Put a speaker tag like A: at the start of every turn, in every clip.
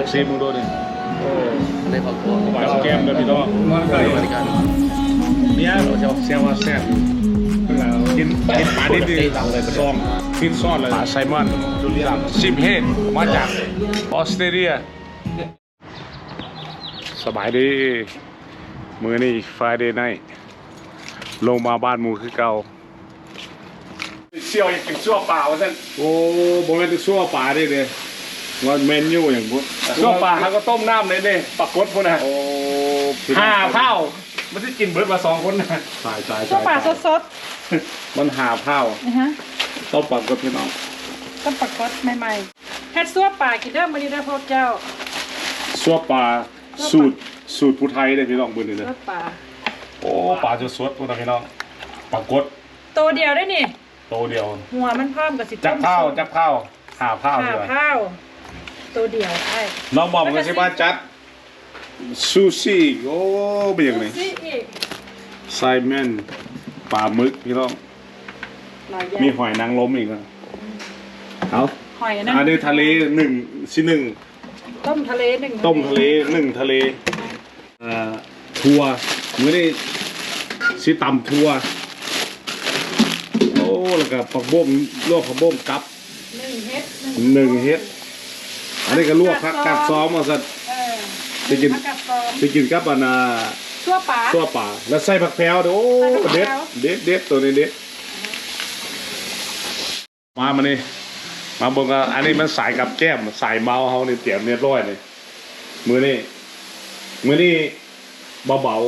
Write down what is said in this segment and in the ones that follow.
A: ซีมึงดูดิโอ้
B: ในครอบครัว
A: หวานแก้มเลยพี่น้องเนี่ยเซียวว่าแซ่บกินปลาดิบดิซองฟินซอสเลยปลาไซมอนซิมเฮดมาจากออสเตรเลียสบายดีมื้อนี้ Friday night ลงมาบ้านหมูคือเก่าเสี่ยวยังกินชั่วเปล่าท่านโอ้บ่แม่นชั่วปลาได้เลยว่าเมนูอย่างพุทธชั่วปลาเขาก็ต้มน้ำเลยเนี่ยปลากดพุ่นนะโอ้5 เท่ามันจะกินเบิร์ดมา2 คนนะตาย
C: ชั่วปลาสด
A: มัน5 เท่าต้มปลากดพี่น้อง
C: ต้มปลากดใหม่ๆเฮ็ดซั่วปลากินได้มื้อนี้ได้พบเจ้า
A: ชั่วปลาสูตรผู้ไทยได้พี่น้องมื้อนี้นะ
C: ซั่วปลา
A: โอ้ปลาสดๆพุ่นนะพี่น้องปลากด
C: ตัวเดียวได้นี่
A: ตัวเดียว
C: หัวมันพร้อมกับสิ
A: จักเท่า5 เท่า
C: ตัวเดียวใช่
A: น้องบอมก็ใช่บ้านจัดซูชิโอ้เป็นยังไงไซแมนปลาหมึกพี่น้องมีหอยนางรมอีกนะเอา
C: หอยนั่น
A: อันนี้ทะเล1
C: ต้มทะเล1
A: ทะเลทัวมื้อนี้สิตำทัวโอ้แล้วก็ผักบุ้งลวกผักบุ้งกับ
C: 1 เฮ็ด
A: อันนี้ก็ลวกผักกัดซ้อมมาสัตว์ไปกินกับอัน
C: ซั่วปลา
A: แล้วใส่ผักแพรวโอ้เด็ดตัวนี้เด็ดมานี่มาบอกว่าอันนี้มันสายกับแก้มสายเมาเขาเนี่ยเตรียมเรียบร้อยเลยมือนี่เบา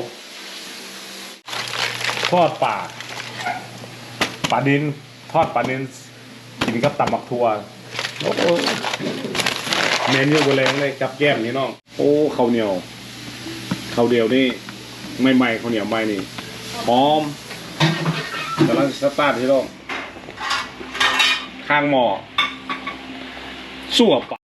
A: ทอดปลาดินทอดปลาดินกินกับตำบักทั่วโอ้เมนูโบราณเลยกับแก้มนี่น้องโอ้ข้าวเหนียวนี่ใหม่ข้าวเหนียวใหม่นี่หอมกำลังสตาร์ทที่น้องข้างหม้อสั่วปะ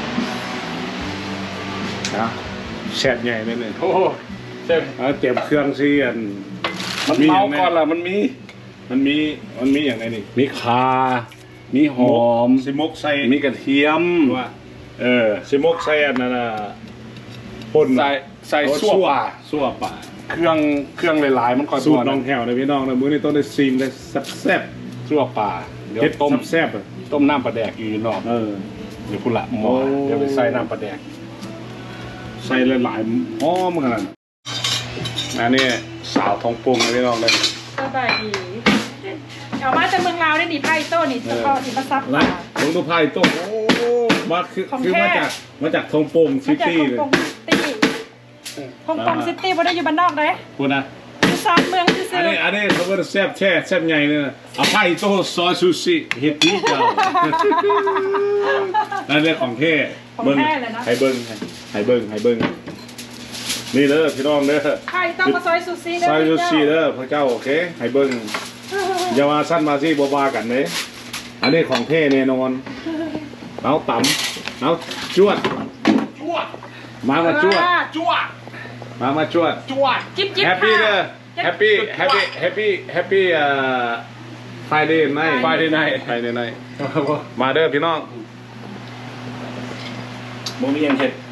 A: นะแซ่บใหญ่เลยเนี่ยโอ้เตรียมเครื่องซีอันมันเมาก่อนล่ะมันมีอย่างไรนี่มีข่ามีหอมซิมกใส่มีกระเทียมว่าซิมกใส่อันนั้นป่นใส่สั่วป่าเครื่องหลายๆมันก่อนสูตรน้องแถวเลยพี่น้องนะมื้อนี้ต้องได้ซีมได้แซ่บสั่วป่าเดี๋ยวต้มแซ่บต้มน้ำปลาแดกอยู่นอกเดี๋ยวคุณละหมอเดี๋ยวไปใส่น้ำปลาแดกใส่หลายๆหอมขนาดอันนี้สาวทองปรุงเลยพี่น้องเลย
C: สบายดีเอามาจากเมืองลาวได้ดิไพ่โต้นี่เฉพาะที่มาซับปลา
A: ลงตัวไพ่โต้โอ้มาคือมาจากทองปรุงซิตี้เลย
C: ทองปรุงซิตี้บ่ได้อยู่บ้านนอกเลย
A: คุณนะ
C: ซานเมืองที่ซื้อ
A: อันนี้เขาก็แซ่บใหญ่เลยนะเอาไพ่โต้ซอยซูชิเฮ็ดนี่เจ้านั่นเรื่องของแท้
C: เบิ้ง
A: ให้เบิ้งนี่เด้อพี่น้องเด้อ
C: ไพ่ต้องมาซอยซูชิเด้อ
A: ซอยซูชิเด้อพระเจ้าโอเคให้เบิ้งอย่ามาสั้นมาซี่บ้ากันเลยอันนี้ของแท้แน่นอนเอาต่ำเอาจวดมาจวด
C: จิ๊บ
A: แฮปปี้เด้อแฮปปี้ไฟเดย์ไนท์มาเด้อพี่น้องบุมีอย่างเห็ด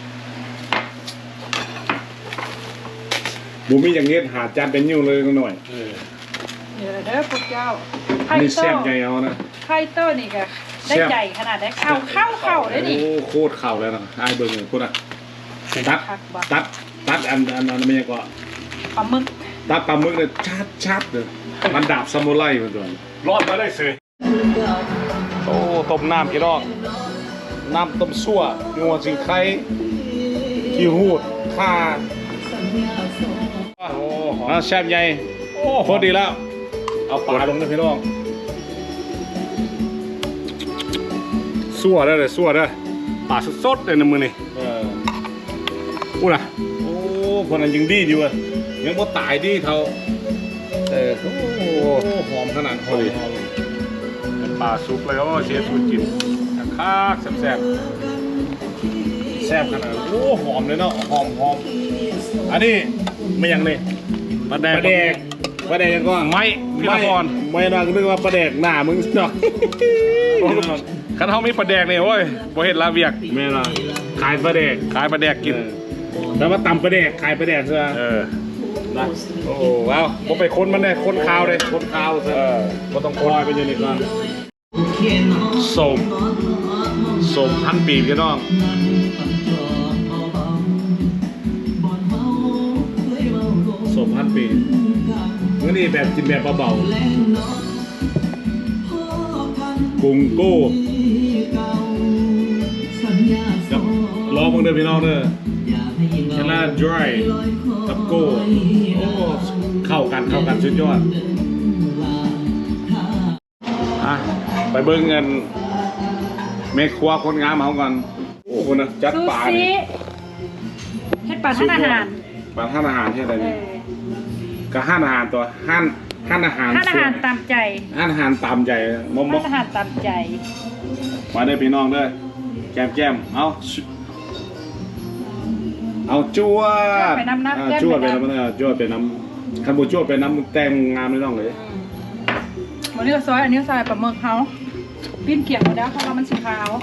A: บุมีอย่างเงี้ยหาจานเป็นยิ้วเลยหน่อย
C: เด้อพวกเจ้า
A: นี่แซ่บใหญ่เอานะ
C: ไข่เต้นี่ก็ได้ใหญ่ขนาดได้เข้าได้ดิ
A: โอ้โคตรเข่าแล้วนะไอ้เบิ้งเลยพูดอ่ะตัดอันไม่ยังก็
C: ปลาหมึก
A: ตัดปลาหมึกเลยชัดเลยมันดาบซามูไรมันตัวรอดมาได้เสยโอ้ต้มน้ำกี่รอบน้ำต้มซั่วงัวสิงไข่ขี้หูดข่าโอ้แซ่บใหญ่โคตรดีแล้วเอาปลาลงนะพี่น้องซั่วได้ปลาสดเลยนะมือนี่อู้นะโอ้คนนั้นยังดีอยู่อ่ะยังบ่ตายดีเท่าโอ้หอมขนาดหอมเป็นปลาซุปเลยโอ้เชฟสูตรกินคักแซ่บขนาดโอ้หอมเลยเนาะหอมอันนี้ไม่ยังเลยปลาแดกยังก็ไม้พี่ละครไม่น่านึกว่าประแดกหน้ามึงเนาะคันเฮามีประแดกเนี่ยโอ้ยบ่เฮ็ดลาเวียกแม่ล่ะขายประแดกกินแล้วมาตำประแดกขายประแดกซะนะโอ้ว้าวบ่ไปคนมันได้คนข้าวเลยคนข้าวซะบ่ต้องคอยไปอยู่นี่ก่อนส้มพันปีพี่น้องส้มพันปีมื้อนี้แบบกินแบบเบาๆกุ้งโก้รอมึงเด้อพี่น้องเด้อชนะ dry กับโก้โอ้เข้ากันสุดยอดไปเบิ่งกันเมฆครัวคนงามเฮากันโอ้คนนะจัดป่านี่
C: เฮ็ดป่าท่านอาหาร
A: ป่าท่านอาหารเฮ็ดอะไรนี่ก็ห้านอาหารตัวห้านอาหาร
C: ตามใจ
A: ห้านอาหารตามใจมอม
C: อาหารตามใจ
A: มาเด้อพี่น้องเด้อแก้มเอาจวด
C: ไปน้ำ
A: จวดไปน้ำจวดไปน้ำคันบูจวดไปน้ำแต้มงามเลยน้องเลย
C: วันนี้ก็ซอยอันนี้ซอยปลาหมึกเขาปิ้นเขียงหมดแล้วเพราะว่ามันสีขาว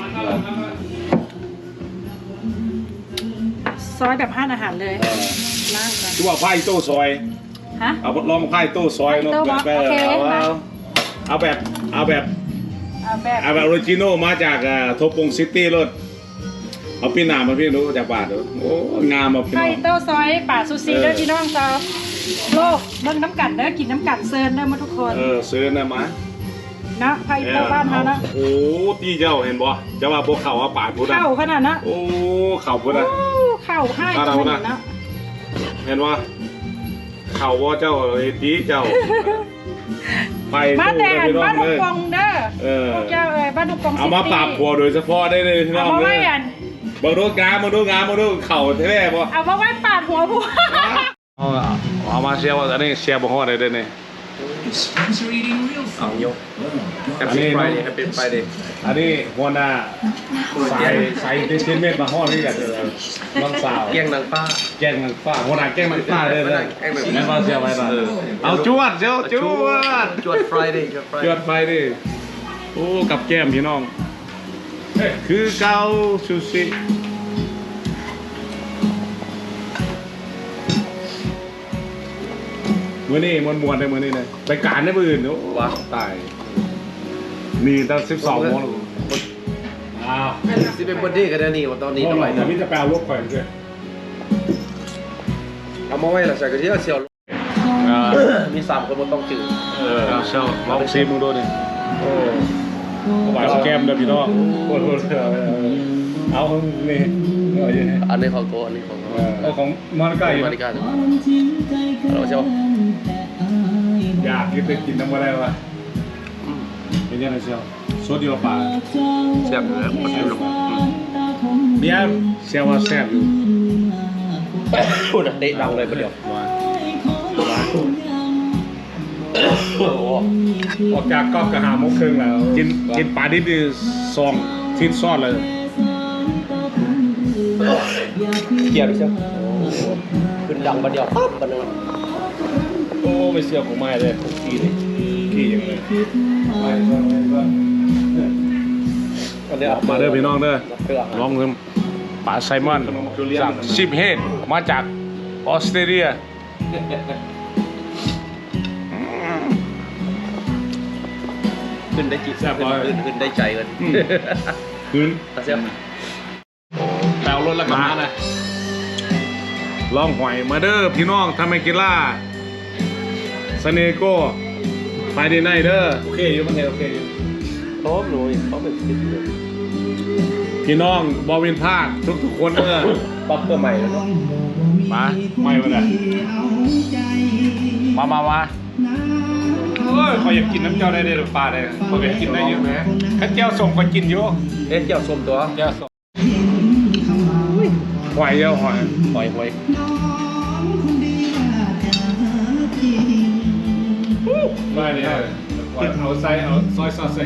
C: ซอยแบบห้านอาหารเลยล่างกัน
A: จวดไผ่โต้ซอยเอาลองไผ่โต้ซอยเนาะเอาแบบออริจินอลมาจากทบปงซิตี้รถเอาพี่นามาพี่รู้จากบาทโอ้งามมาพี่น้อง
C: ไผ่โต้ซอยป่าซูซีเด้อพี่น้องจ้าโลกเบิ่งน้ำกัดเด้อกินน้ำกัดเซิร์นเด้อมาทุกคน
A: เซิร์นนะมา
C: นะไผ่โต้บ้านเขานะ
A: โอ้ตีเจ้าเห็นบ่จะว่าพวกเขาว่าป่าพูด
C: เข่าขนาดนะ
A: โอ้เข่าพูดนะ
C: เข่าให้ขนาดนะ
A: เห็นว่าเข่าว่าเจ้าตีเจ้าไป
C: บ้านแดงบ้านลูกปองเด้อเจ้าบ้านลูกปอง
A: เอามาปราบผัวโดยเฉพาะได้เลยพี่น้องเลยมาดูงามมาดูเข่าแท้ๆบ่
C: เอามาไว้ปาดหัวผัว
A: เอามาเชียร์ว่าอันนี้เชียร์บ่ฮอดได้เด้อนี่
B: เอายกแฮปปี้ไฟเดย์
A: อันนี้หัวหน้าใส่เทนเมตมาฮอดนี่กันน้องสาว
B: แกงนางฟ้า
A: หัวหน้าแกงนางฟ้าเลยแม่นว่าเชียร์ไว้ล่ะเอาจวด
B: ไฟเดย์
A: โอ้กับแก้มพี่น้องคือเกาซูชิมื่อนี้มวนได้มื่อนี้เลยไปการได้มื่ออื่นโอ้ว้าตายมีตั้ง12 โมง
B: สิเป็นบอดี้กันนี่ว่าตอนนี้เท่าไหร่
A: แต่พี่จะแปลลูกข่อยด้วย
B: เอามาไว้ละใส่กระเทียมเชียวมี3 คนมันต้องจืด
A: เชียวลองซีมึงดูดิโอ้หวานแก้มเด้อพี่น้องโคตรเอานี่
B: อันนี้ของโตอันนี้
A: ของมาริกา
B: เราเชียว
A: อยากกินน้ำอะไรวะเป็นยังไงเชียวโซเดียวป่า
B: แซ่บเลยมันอยู่
A: เนี่ยเชียวว่าแซ่บอยู่
B: พูดเตะดังเลยประเดี๋ยว
A: ออกจากก๊อกกระหาโมกครึ่งแล้วกินปลาดิบดี2 ชิ้นซ้อนเลย
B: เกี่ยวดิเชียวขึ้นดังประเดี๋ยวปั๊บประเดี๋ยว
A: โอ้ไม่เสียของไม่เลยขี้อย่างเลยมาเด้อพี่น้องเด้อลองเงินปลาไซมอนจากชิปเฮดมาจากออสเตรเลีย
B: ขึ้นได้จิตขึ้นได้ใจกัน
A: ขึ้น
B: เสีย
A: แปลรถละกันนะลองหอยมาเด้อพี่น้องทำไมกินล่าสเนโก้ไฟเดย์ไนท์เด้อโอเคอยู่มันโอเคอยู่
B: พร้อมหนูเขาเป็น
A: พี่น้องบอวินภาคทุกคนเด้อ
B: ป๊อปเปอร์ใหม่แล้ว
A: มาใหม่มาเลยมาเขาอยากกินน้ำเจ้าได้หรือปลาได้เขาอยากกินได้เยอะไหมข้าเจ้าส่งก็กินเยอะ
B: เจ้าส้มตัว
A: เจ้าส้มหอยเยอะหอยไม่เนี่ยเอาใส่เอาซอยซอสใส่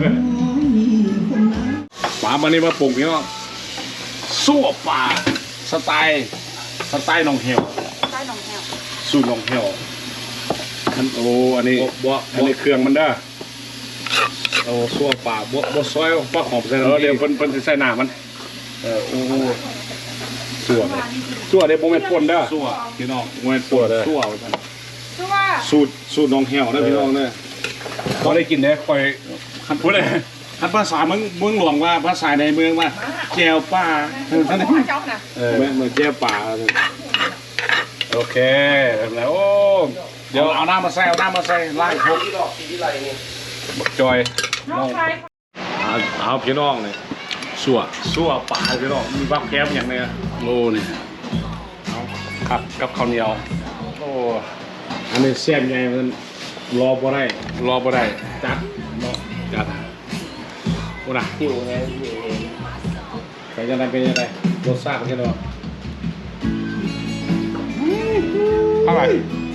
A: ปลามันนี่มาปรุงพี่น้องซั่วปลาสไตล์หนองเหี่ยวสูตรหนองเหี่ยวโอ้อันนี้อันนี้เครื่องมันได้โอ้ซั่วปลาบ่ซอยปลาหอมใส่เดี๋ยวเพิ่นสิใส่หน้ามันโอ้ซั่วเด้บ่แม่นป่นเด้อซั่วพี่น้องบ่แม่นป่นเด้อซั่วสูตรน้องแห้วนะพี่น้องเด้อบ่ได้กินเด้อค่อยคันพูดเลยคันภาษาเมืองหลวงว่าภาษาในเมืองว่าแจ่วปลาท่านนี่เหมือนแจ่วปลาโอเคแล้วโอ้เดี๋ยวเอาน้ำมาใส่ล้างครบบักจอยเอาพี่น้องเลยสั่วปลาพี่น้องมีบักแคมอย่างเนี้ยโอ้นี่เอาครับกับข้าวเหนียวโอ้อันนี้แซ่บไงมันรอบ่ได้จัดโอ้น่ะหิวไงเป็นยังไงรสชาติเป็นยังไงอร่อย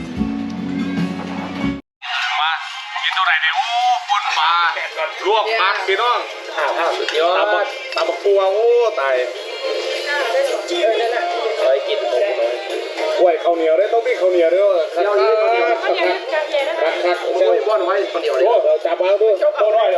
A: มากินตัวไหนเนี่ยโอ้ปนปลาลวกผักพี่น้องสุดยอดตำบักปัวโอ้ตายเคยกินกล้วยข้าวเหนียวได้ต้องมีข้าวเหนียวด้วยคักเจ้าบ้านไว้ข้าวเหนียวเลยจับเอาด้วยตัวน้อย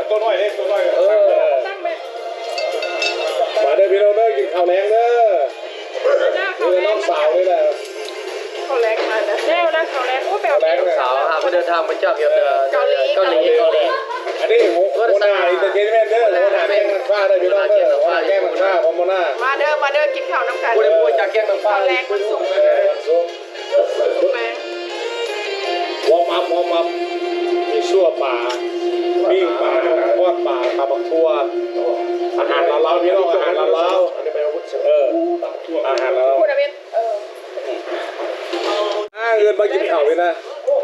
A: มาได้พี่น้องได้กินข้าวแรงเด้อนี่น้องสาวนี่แหละ
C: เขาแรงมาแล้วเขาแรงโอ้แบบ
B: สาวหาไปเดินทางมาจากเกาหลี
A: อันนี้โมนาอินเตอร์เทนเมนต์เด้อโมนาแกงมันฟ้าได้พี่น้องเด้อแกงมันฟ้าของโมนา
C: มาเด้อกินข้าวน้ำกัน
B: พูดจากแกงมันฟ้า
C: แรงมันสูง
A: วอร์มอัพมีชั่วป่าปิ้งป่าทอดป่าปลาบักทั่วอาหารลาวพี่น้องอาหารลาวอาหารลาว
C: พูดอะไร
A: เงินมากินข้าวเลยนะ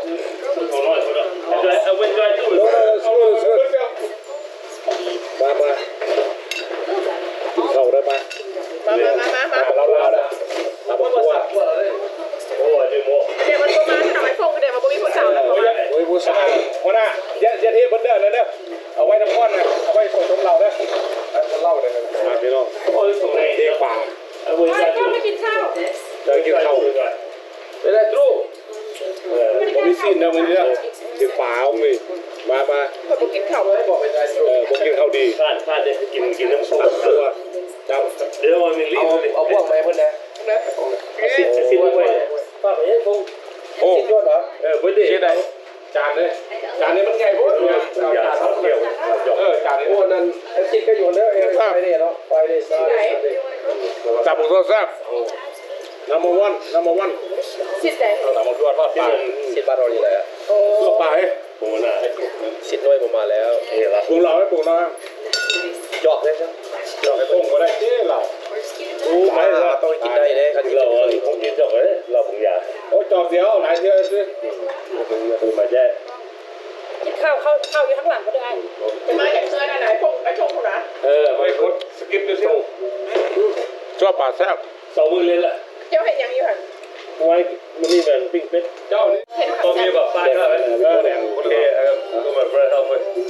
A: มากินข้าวได้ไหม
C: มา
A: เราได้ตาบักทั่ว
C: เดี๋ยวมันก็มาทำไมฟงเดี๋ยวมันก็มีผู้สาวนะ
A: โอ้ยผู้สาวคนน่ะเยอะที่เพิ่นเด้อนะเด้อเอาไว้น้ำก้อนนะเอาไว้ส่งน้ำเราเด้อคนเล่าเลยนะพี่น้องเด็กป่า
C: ก็ไม่กินข้าว
A: เดินกินข้าวไปได้ทรูผมมีสิ้นนะมึงเนี่ยเด็กป่าเอาเลยมา
C: ผมกินข้าวเลยบอกไปได้
A: ผมกินข้าวดี
D: พลาดเลยกินน้ำซุป
A: ตัวจับ
D: เดี๋ยวมันมีลิ้น
B: เอาพวกไหมเพื่อนนะ
D: สิ้นไปป้าไปยังคง
A: โอ้
B: ยอดเหรอ
A: เพื่อนดีไหนจานนี้มันใหญ่โคตรเนี่ยจานเดียวจานนี้
B: โอ้นั่นคิดก็อยู่แล้วไฟเดย์เนาะไฟเดย์ซ่า
A: จับผมทอดแซ่บnumber one
C: สิทธิ์ไหน
A: number one ทอดปลา
B: สิทธิ์บ้านเราอยู่ไหนอ่ะ
A: ทอดปลา
D: ผมน่ะ
B: สิทธิ์น้อยผมมาแล้ว
A: ปรุงเราให้ปรุงเรา
B: จอกได้ใช่
A: จอกให้ปรุงก็ได้เจ๊เรา
B: ไม่เราต้องกินได้เลยเขา
D: เราผมกินจอกเลยเราผมอยาก
A: โอ้จอกเดียวหลายเดียวสิ
D: คือมาแย่
C: กินข้าวอยู่ข้างหลังก็ได้จะมาอย่างเงินไหนพงไอ้ชงคนนะ
A: ไม่กดสกิปดูสิชอบปลาแซ่บ
D: 2 มื้อเลยล่ะ
C: เจ้าเห็นยังอยู่หัน
D: ไว้มันนี่มันปิ้งเป็ด
A: เจ้านี่
D: ตัวมีแบบฟ้าก็แดงโอเคก็มาเบรดเอาไป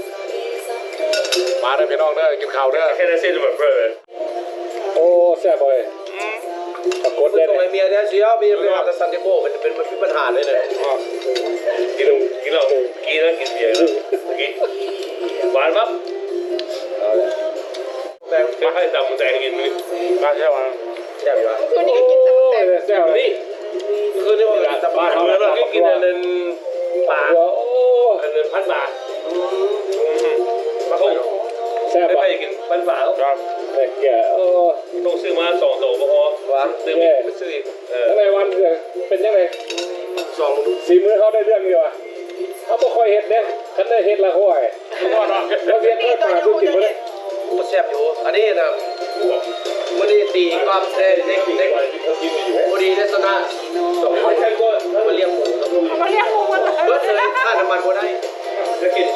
A: มาได้พี่น้องเด้อกินข้าวเด้อ
D: แค่นั้นเส้นแบบเบรด
A: โอ้แซ่บเลยตะกดเลย
B: ตรงไอเมียเนี่ยเชียวมีเป็นมาตซันติโก้เป็นปัญหาเลยเนี่ย
D: กินเหล้ากินเบียร์แล้วกินหวานปั๊บแต่ไม่ให้ดำแต่กินนี่
A: มาใช่ไหม
B: แซ่บอยู่
C: คืนนี้ก็กินแต่
A: แซ่บนี่
D: คือนี่ว่าสบายเมื่อเรากินอันนั้นปลาอันนั้นพันบาทมาคง
A: แซ่บ
D: ไปกินพันบาท
A: ครับแต่แก
D: ต้องซื้อมา2 ตัวพอ
B: วะ
D: ซื้ออีก
A: ในวันเป็นยังไงสีมือเขาได้เรื่องอยู่อ่ะเขาบ่ค่อยเห็ดเนี่ยคันได้เห็ดละค่อยเราเรียนค่อยป่าดูกินมาเลย
B: แซ่บอยู่อันนี้นะวันนี้ตีความเด็กวันนี้ลักษณะมาเลี้ยงหมู
C: มาเลี้ยงหมูมัน
B: เบิร์ดเลยค่าน้ำมันก็ได้
D: จะกิน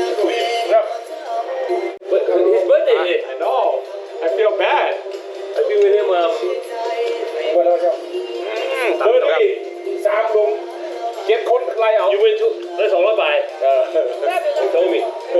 D: เบิร์ดเดย์
A: I know I feel bad
D: ไอ้พี่วินเนี่ยมา
A: เบิร์ดอีก3 ลุง 7 คนไล่เอา
D: อยู่เป็นได้200 บาทโทมี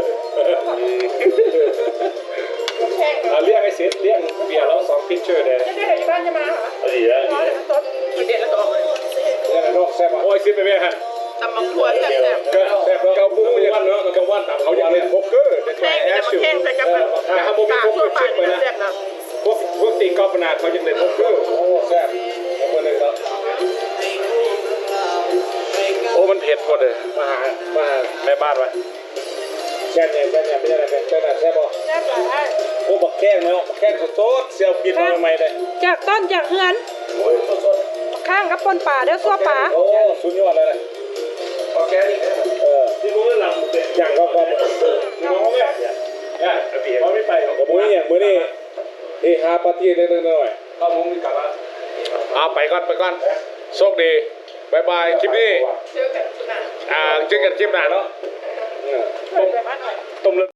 A: เรียกไอ้เซฟเรียกเบียร์แล้ว2 พิชเชอร์เลย
C: จะได้ที่บ้านจะมาเหรอ
D: ดีแล้ว
C: กินเด็ดแล้วต่อเลย
A: นี่นกแซ่บโอ้ยซิปไปไหมฮะ
E: ตำบักถั่วแซ่บ
D: แต่เกาปูอย่างนั้นเนาะเกาว่านตามเขาอย่างนี้โป๊กเกอร์แต่
E: ๆแข้งนี่จะมาแข้งใส่กับ
D: ถ้าโมเป็น
E: ปาก
D: พวก
E: ทั่ว
D: เป็น
E: ไป
D: ชิปไป
E: นี่
D: นะ
E: แซ่บนะ
D: พวกตีกอล์ฟนาเขายังเล่นโป๊กเกอร์โอ้แซ่บคนนึงครับโอ้มันเผ็ดหมดเลยมาแม่บ้านไว้แค่เนี่ยไม่ใช่อะไรแค่นั้นแซ่บป่ะ
E: แซ่บหลาย
D: โอ้บักแข้งเนาะบักแข้งสดๆเสียวกินมาใหม่เลย
C: จากต้นจากเฮือน
D: โอ้ยสด
C: ข้างกับปนป่าเด้อซัวป่า
D: ๆโอ้สุดยอดเลยนะ
B: ออร์แกนิก
D: ที่รู้ว่าลำเด็ดอย่างก็น้องเนี่ยเขาไม่ไปของมือเนี่ยมือนี่หาปาร์ตี้เล็กๆน้อย
B: ข้าวมุ้งมีกลับมา
D: ๆเอาไปก่อนโชคดีบายบายคลิปนี้
E: ๆเจอกันสุดหน้า
D: เจอกันคลิปหน้าเนาะ
E: เปิดแบบว่าหน่อย
D: ต้มเลือด